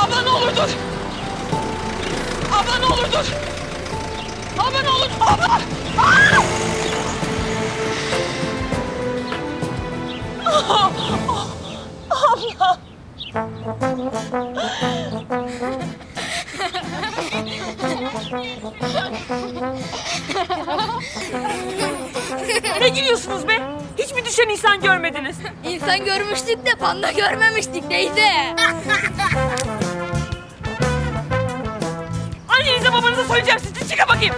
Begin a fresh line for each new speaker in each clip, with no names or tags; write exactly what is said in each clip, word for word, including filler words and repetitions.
Abla ne olur dur. Abla ne olur dur. Abla ne olur. Abla. Aa! Ah! Abla. Ne gülüyorsunuz be? Hiç mi düşen insan görmediniz?
İnsan görmüştük de panda görmemiştik teyze.
Annenize babanıza söyleyeceğim sizi. Çıkın bakayım.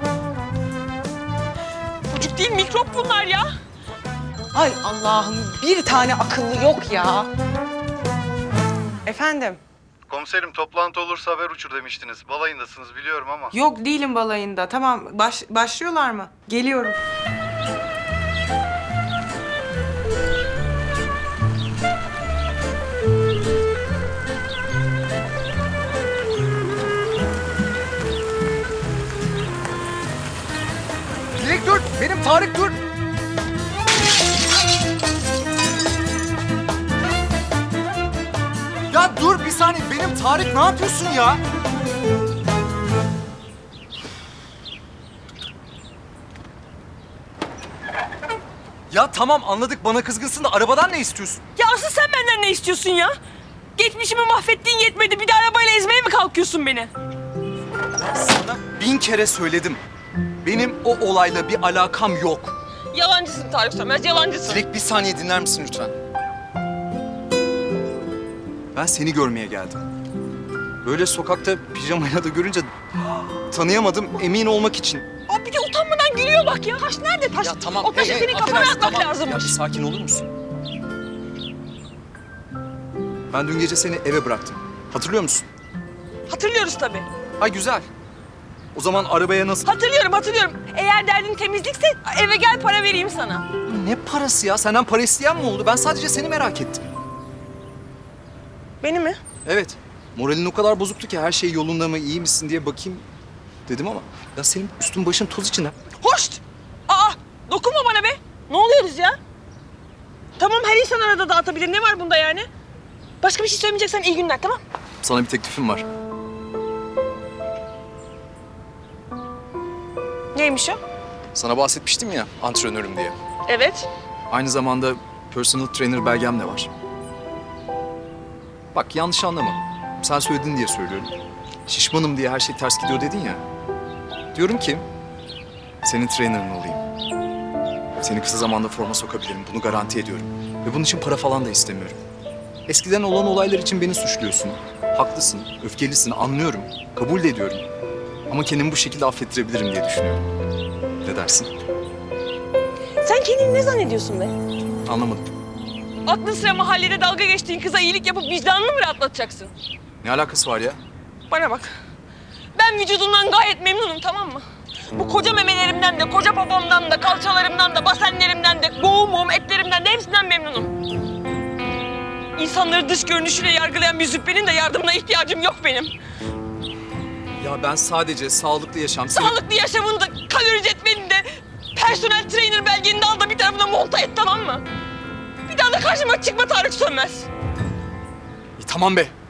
Çocuk değil mikrop bunlar ya.
Ay Allah'ım bir tane akıllı yok ya. Efendim?
Komiserim toplantı olursa haber uçur demiştiniz. Balayındasınız biliyorum ama.
Yok değilim balayında. Tamam baş, başlıyorlar mı? Geliyorum.
Dilek dur! Benim Tarık dur! Ya dur bir saniye. Benim Tarık ne yapıyorsun ya? Ya tamam anladık bana kızgınsın da arabadan ne istiyorsun?
Ya asıl sen benden ne istiyorsun ya? Geçmişimi mahvettiğin yetmedi. Bir de arabayla ezmeye mi kalkıyorsun beni?
Sana bin kere söyledim. Benim o olayla bir alakam yok.
Yalancısın Tarık Sönmez, yalancısın.
Dilek bir saniye dinler misin lütfen? Ben seni görmeye geldim. Böyle sokakta pijamayla da görünce tanıyamadım emin olmak için.
Aa, bir de utanmadan gülüyor bak ya. Taş nerede taş?
Ya tamam.
O taşı
hey, hey,
senin kafana
affedersin,
atmak
tamam.
lazımmış.
Ya bir sakin olur musun? Ben dün gece seni eve bıraktım. Hatırlıyor musun?
Hatırlıyoruz tabii.
Ha güzel. O zaman arabaya nasıl...
Hatırlıyorum, hatırlıyorum. Eğer derdin temizlikse eve gel para vereyim sana.
Ne parası ya? Senden para isteyen mi oldu? Ben sadece seni merak ettim.
Beni mi?
Evet. Moralin o kadar bozuktu ki her şey yolunda mı, iyi misin diye bakayım dedim ama... Ya senin üstün başın toz içinde.
Hoşt! Aa, dokunma bana be. Ne oluyoruz ya? Tamam, her insan arada dağıtabilir. Ne var bunda yani? Başka bir şey söylemeyeceksen iyi günler, tamam?
Sana bir teklifim var.
Neymiş o?
Sana bahsetmiştim ya antrenörüm diye.
Evet.
Aynı zamanda personal trainer belgem de var. Bak yanlış anlama. Sen söyledin diye söylüyorum. Şişmanım diye her şey ters gidiyor dedin ya. Diyorum ki senin trainer'ın olayım. Seni kısa zamanda forma sokabilirim. Bunu garanti ediyorum. Ve bunun için para falan da istemiyorum. Eskiden olan olaylar için beni suçluyorsun. Haklısın, öfkelisin, anlıyorum. Kabul de ediyorum. Ama kendimi bu şekilde affettirebilirim diye düşünüyorum. Ne dersin?
Sen kendini ne zannediyorsun be?
Anlamadım.
Aklın sıra mahallede dalga geçtiğin kıza iyilik yapıp vicdanını mı rahatlatacaksın?
Ne alakası var ya?
Bana bak. Ben vücudumdan gayet memnunum, tamam mı? Bu koca memelerimden de, koca popomdan da, kalçalarımdan da, basenlerimden de, boğum boğum etlerimden de hepsinden memnunum. İnsanları dış görünüşüyle yargılayan bir züppenin de yardımına ihtiyacım yok benim.
Ya ben sadece sağlıklı yaşam... seni-
Sağlıklı yaşamını da, kalori cetvelini de, personel trainer belgeni de al da bir tarafına monta et, tamam mı? Bir daha da karşıma çıkma Tarık Sönmez.
İyi, tamam be.